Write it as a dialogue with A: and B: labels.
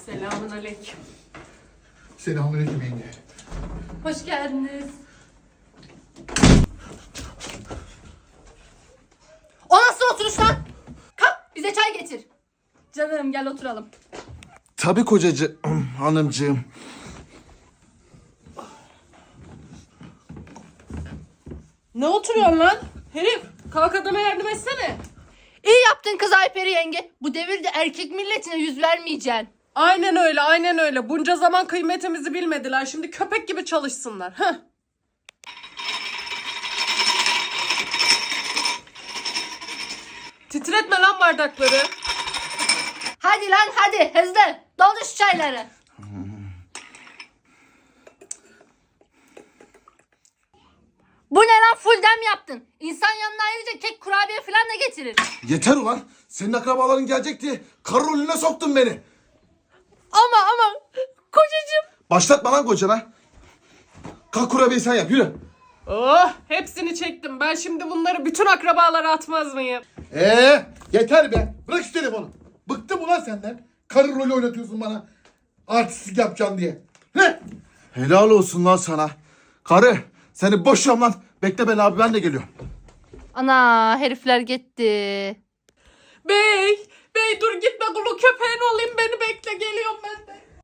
A: Selamünaleyküm.
B: Selamünaleyküm yenge.
A: Hoş geldiniz.
C: O nasıl oturuş lan? Kalk bize çay getir.
A: Canım gel oturalım.
B: Tabii kocacı hanımcığım.
A: Ne oturuyorsun lan? Herif kalk adama yardım etsene.
C: İyi yaptın kız Ayperi yenge. Bu devirde erkek milletine yüz vermeyeceksin.
A: Aynen öyle, aynen öyle. Bunca zaman kıymetimizi bilmediler. Şimdi köpek gibi çalışsınlar. Heh. Titretme lan bardakları.
C: Hadi lan hadi hızlı. Doldur şu çayları. Bu ne lan, full dem yaptın. İnsan yanına ayrıca kek, kurabiye falan da getirir.
B: Yeter ulan. Senin akrabaların gelecek diye karı rolüne soktun beni.
C: Ama kocacığım.
B: Başlatma lan kocana. Kalk kurabiyeyi sen yap yürü.
A: Oh, hepsini çektim. Ben şimdi bunları bütün akrabalara atmaz mıyım?
B: Yeter be. Bırak şu telefonu. Bıktım ulan senden. Karı rolü oynatıyorsun bana. Artistlik yapacaksın diye. Ne? Helal olsun lan sana. Karı seni boşuyorum lan. Bekle ben abi, ben de geliyorum.
C: Ana herifler gitti.
A: Bey dur gitme, kulu köpeğin olayım, beni bekle, geliyorum ben de.